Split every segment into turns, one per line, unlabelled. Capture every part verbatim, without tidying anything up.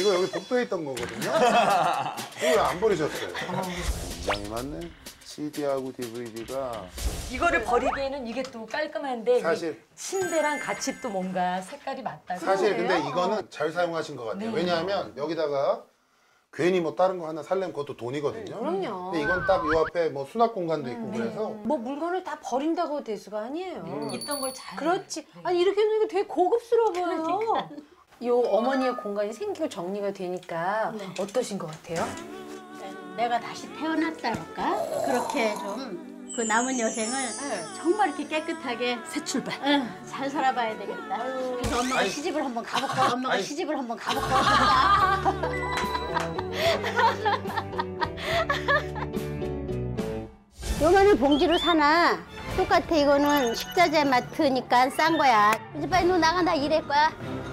이거 여기 복도에 있던 거거든요. 이거 왜 안 버리셨어요? 굉장히 많네. 씨디하고 디브이디가
이거를 버리기에는 이게 또 깔끔한데
사실
침대랑 같이 또 뭔가 색깔이 맞다고.
사실 근데 이거는 잘 사용하신 것 같아요.
네.
왜냐하면 여기다가 괜히 뭐 다른 거 하나 살려면 그것도 돈이거든요.
그럼요.
근데 이건 딱 요 앞에 뭐 수납 공간도 있고
음,
그래서
뭐 물건을 다 버린다고 될 수가 아니에요.
음.
있던 걸 잘.
그렇지. 아니 이렇게 놓으니까 되게 고급스러워 보여요. 요 어머니의 공간이 생기고 정리가 되니까
네.
어떠신 것 같아요?
내가 다시 태어났다랄까? 그렇게 좀 그 남은 여생을 정말 이렇게 깨끗하게 새 출발. 응, 잘 살아봐야 되겠다. 그래서 엄마가
아니,
시집을 한번 가볼까? 엄마가
아니,
시집을 한번 가볼까? 요만한 봉지로 사나? 똑같아. 이거는 식자재 마트니까 싼 거야. 이제 빨리 너 나가. 나 일할 거야.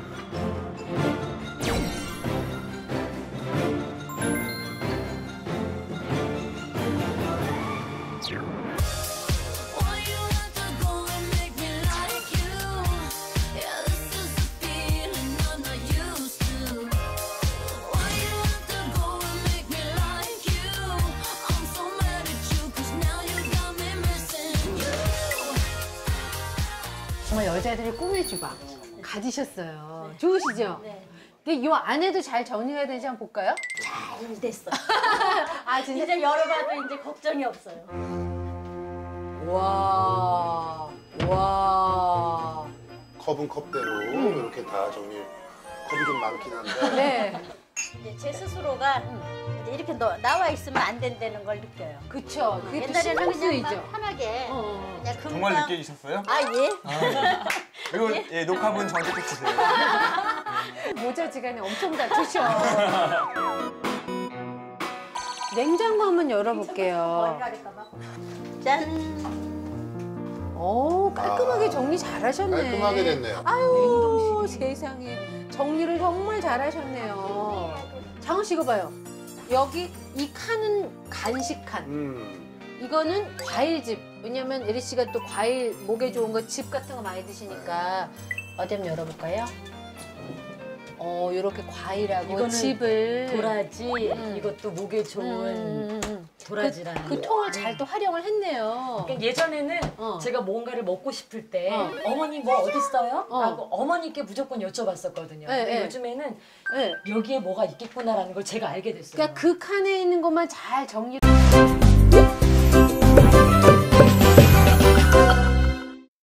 정말 여자들의 꿈의 주방 가지셨어요. 좋으시죠?
네.
근데 이 안에도 잘 정리가 되지 한번 볼까요?
잘 됐어.
아 진짜?
이제 열어봐도 이제 걱정이 없어요.
와, 와.
컵은 컵대로 이렇게 다 정리. 컵이 좀 많긴 한데.
네.
이제 제 스스로가 이제 이렇게 너, 나와 있으면 안 된다는 걸 느껴요.
그쵸. 그게 또
옛날에는
신경
그냥 막
쓰이죠.
편하게
어.
그냥 금방.
정말 느끼셨어요?
아 예.
이거 예, 녹화본 저한테 꼭 주세요.
모자지간에 엄청 다투셔. 냉장고 한번 열어볼게요.
짠.
오, 깔끔하게
아,
정리 잘하셨네.
깔끔하게 됐네요.
아유, 세상에. 정리를 정말 잘하셨네요. 장원 씨 이거 봐요. 여기 이 칸은 간식 칸.
음.
이거는 과일집. 왜냐면 예리 씨가 또 과일 목에 좋은 거 즙 같은 거 많이 드시니까 어디 한번 열어볼까요? 어, 이렇게 과일하고
이거는
즙을
도라지.
음.
이것도 목에 좋은
음, 음, 음.
도라지라는.
그, 그 통을 잘 또 활용을 했네요.
그러니까 예전에는
어.
제가 뭔가를 먹고 싶을 때
어.
어머니 뭐 어디 있어요?
어.
라고 어머니께 무조건 여쭤봤었거든요.
네,
근데
네.
요즘에는
네.
여기에 뭐가 있겠구나라는 걸 제가 알게 됐어요.
그러니까 그 칸에 있는 것만 잘 정리.